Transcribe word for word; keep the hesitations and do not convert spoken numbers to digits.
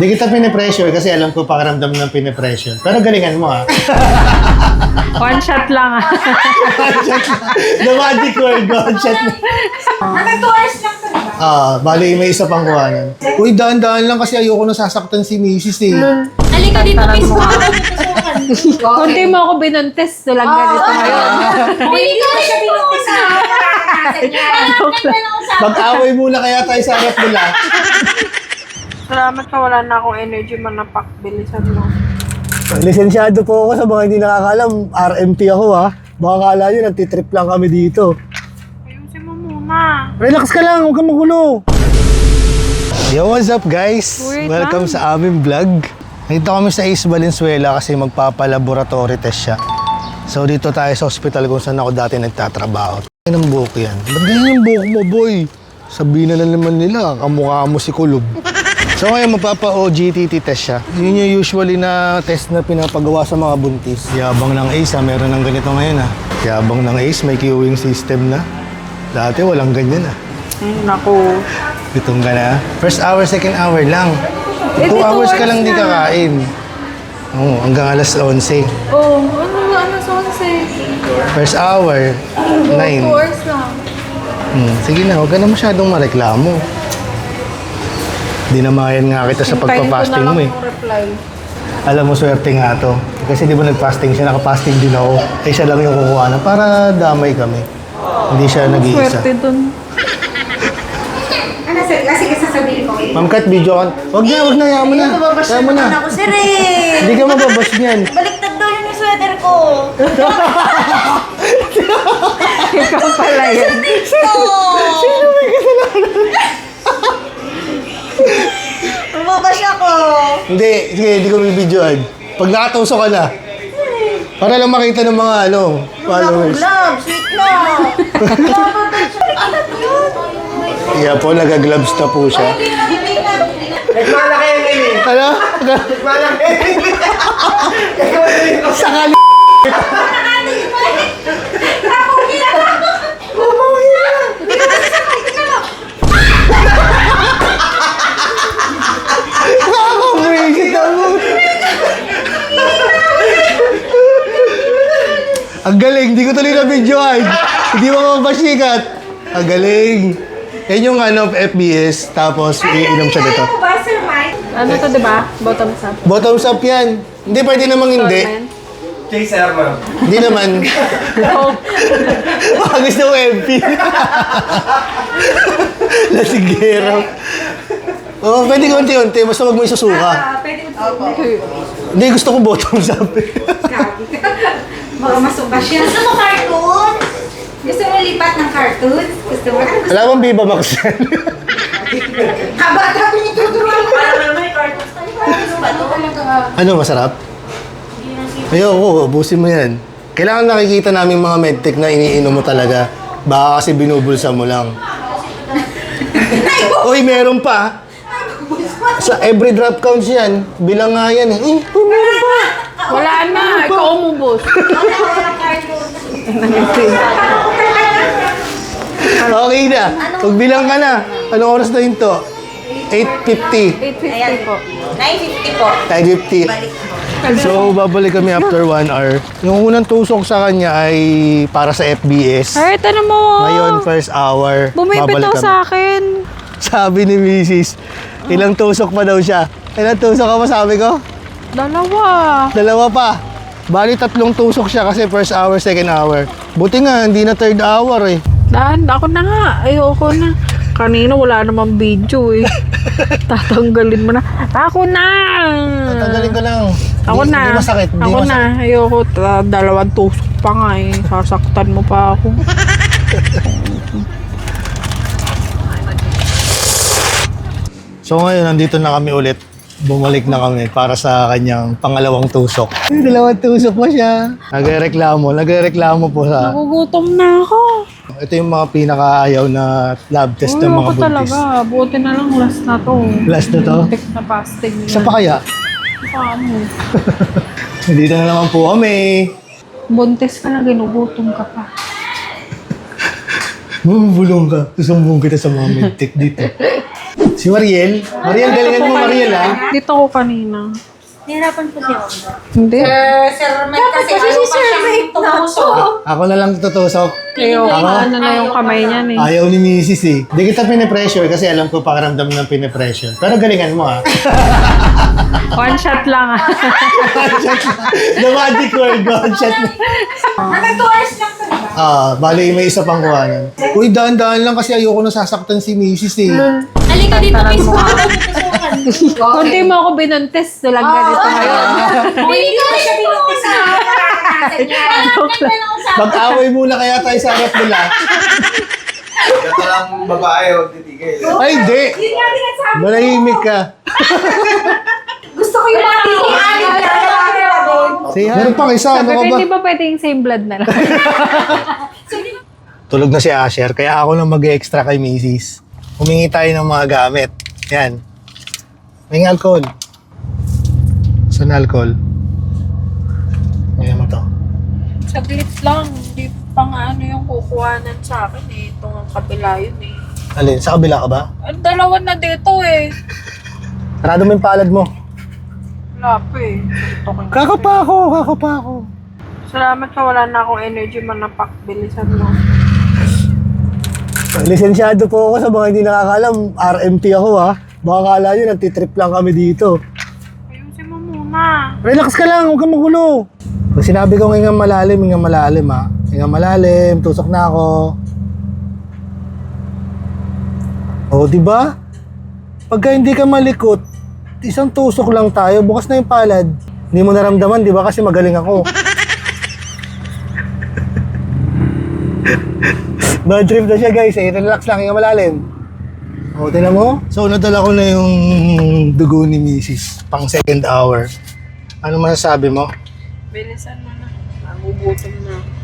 Hindi kita pinipressure kasi alam ko pakiramdam ng pinipressure. Pero galingan mo ha. One shot lang ah. One shot lang. The magic word, one shot lang. Hanggang two hours lang to, diba? Ah, bali may isa pang kuhanan. Uy, daan-daan lang kasi ayoko na sasaktan si Missus eh. Halika dito, miss. Kunti mo ako binuntis. Tulang ganito ngayon. Hindi ko na siya pinuntis na. Mag-away muna kaya tayo sa harap nila. Salamat ka, wala na akong energy manapak. Bilisan mo. Lisensyado po ako sa mga hindi nakakalam. R M T ako ha. Baka kala nyo, nagtitrip lang kami dito. Ayusin mo muna. Relax ka lang, huwag kang magulo. Yo, what's up guys? Wait Welcome lang. sa aming vlog. Nandito kami sa East Valenzuela kasi magpapalaboratory test siya. So dito tayo sa hospital kung saan ako dati nagtatrabaho. Ay ng buhok yan. Ba't ganyan yung buhok mo, boy? Sabihin na lang naman nila, kamukha mo si Kulob. So ngayon magpapa-O G T T test siya. Yun yung usually na test na pinapagawa sa mga buntis. Yabang ng A C E ha, meron ng ganito ngayon ha. Yabang ng A C E, may queuing system na. Dati walang ganyan ha. Ay, naku. Gutom ka na? First hour, second hour lang. Eh, Two di two hours ka hours lang di na. kakain. Oo, hanggang alas eleven. Oh, ano, ano, sonse? First hour, nine. Two hours lang. Hmm, sige na, huwag ka na masyadong mareklamo. Di na mayan nga kita sa pagpa-fasting mo eh. Hintayin ko na lang yung reply. Alam mo, swerte nga to. Kasi di ba nag-fasting siya, nakapasting din ako. Eh siya lang yung kukuha na para damay kami. Hindi siya nag-iisa. Swerte dun. Ano, sir? Sige, sasabihin ko. Ma'am Kat, video ka. Huwag na, huwag na, yaman mo na. Yaman mo na. Ako, sir eh. Hindi ka mababas niyan. Baliktad daw yun yung sweater ko. Ikaw pala yan. Sino may kasalanan? Lumabas ako. Hindi, sige, hindi ko may videoan. Pag nakatauso ka na. Para lang makita ng mga ano, followers. Love, sweet love. Ano yun? Iya po, nag-gloves na po siya. Nagmalaki yan eh. Ano? Nagmalaki. Sakali. Nakakabuisit ako. Ang galing, hindi ko tuloy na videoan. Hindi mo mapasikat. Ang galing. Yan yung ano, F B S, tapos iinom siya dito. Ano ba, sir Mike? Ano to, diba? Bottoms up. Bottoms up yan. Hindi, pwede namang hindi. Torment. Chaser mo. Hindi naman. Oh, Baka gusto mo M P. Lasigero. Oo, oh, pwede unti-unti. Basta wag mo isusuka. Ah, pwede mo. Hindi, gusto ko bottoms up. Baka masuka siya. Gusto mo cartoon? Gusto mo lipat ng cartoon? Gusto mo? Ano gusto Alam mo, Viva Max yan. Kabata ko yung tuturuan ko. Parang may cartoons tayo. Gusto ba ito? Ano, masarap? Ayoko, ubusin mo yan. Kailangan nakikita namin mga medtech na iniinom mo talaga. Baka kasi binubulsa mo lang. Uy, meron pa. Sa every drop counts yan. Bilang nga yan eh. Eh, uy, meron pa. wala na. Ikaw umubos. Okay na. Magbilang ka na. Anong oras na yun to? eight fifty. eight fifty po. nine fifty po. nine fifty. So, babalik kami after one hour. Yung unang tusok sa kanya ay para sa F B S. Ay, tanong mo. Ngayon, first hour. Bumibitaw babalik kami. sa akin. Sabi ni Missus, ilang tusok pa daw siya. Ilang tusok ka pa sabi ko? Dalawa. Dalawa pa. Bali, tatlong tusok siya kasi first hour, second hour. Buti nga, hindi na third hour eh. Dahan, ako na nga. Ayoko na. Kanina wala namang video eh. Tatanggalin mo na. Ako na! Tatanggalin ko lang. Ako Di- na. Di masakit. Di Ako masakit. na. Ayoko. Ta- dalawang tusok pa nga eh. Sasaktan mo pa ako. So ngayon, nandito na kami ulit. Bumalik na kami para sa kanyang pangalawang tusok. Ay, dalawang tusok pa siya. Nagrereklamo. Nagrereklamo po sa... Nagugutom na ako. Ito yung mga pinakaayaw na lab test ng mga Ayoko buntis. talaga. Buti na lang last na to. Last na to? Tek na fasting. Isa pa kaya? Paano? Nandito na naman po kami. Buntis ka na, ginugutom ka pa. Bumubulong ka. Susumbong kita sa mga medtech dito. Si Mariel? Mariel, galingan mo Mariel ha? Dito ko kanina. Nahirapan po si Onda. Hindi. Sir Mike kasi ano pa siyang tumusok. Ako na lang tutusok. Ayoko, Ako? ano na yung kamay niyan eh. Ayaw ni Missus eh. Di kita pinipressure kasi alam ko pakiramdam ng pinipressure. Pero galingan mo ha. One shot lang ah. The magic word, one shot. Hanggang two hours lang to, diba? Ah, bali may isa pang kuhanan. Uy, daan-daan lang kasi ayoko na sasaktan si Missus eh. Halika dito, miss. Kunti mo ako binuntis. Tulang ganito ngayon. Hindi ko siya binuntis na. Mag-away muna kaya tayo sa harap nila. Ito lang babae o titigil. Ay, hindi. Yun nga din ang sabi. Manahimik ka. Gusto ko yung mga tinihanin. Say hi. Meron pang isa, ano Sabi ka ko, ba? hindi ba pwedeng same blood na lang? Tulog na si Asher, kaya ako lang mag-extra kay Missus Humingi tayo ng mga gamit. Yan. May alcohol. Saan alcohol? Ngayon mo to. Saglit lang. Hindi pa nga ano yung kukuhanan sa akin eh. Itong ang kabila yun eh. Alin? Sa kabila ka ba? Ang dalawa na dito eh. Sarado mo yung palad mo. Wala pa eh. Ito ko. Kakapa ako, kakapa ako. Salamat ka, wala na akong energy man na pakbilisan mo. Lisensyado po ako sa mga hindi nakakalam. R M P ako ha. Baka kala nyo, nagtitrip lang kami dito. Ayusin mo muna. Relax ka lang, huwag kang magulo. Pag sinabi ko hingang malalim, hingang malalim ha. Hingang malalim, tusok na ako. O, di ba? Pagka hindi ka malikot, isang tusok lang tayo, bukas na yung palad. Hindi mo naramdaman, di ba? Kasi magaling ako. Bad trip na siya guys, eh. Relax lang, hingang malalim. O, tingnan mo? So, nadala ko na yung dugo ni Missus pang second hour. Ano masasabi mo? Bilisan mo na. Nagugutom na.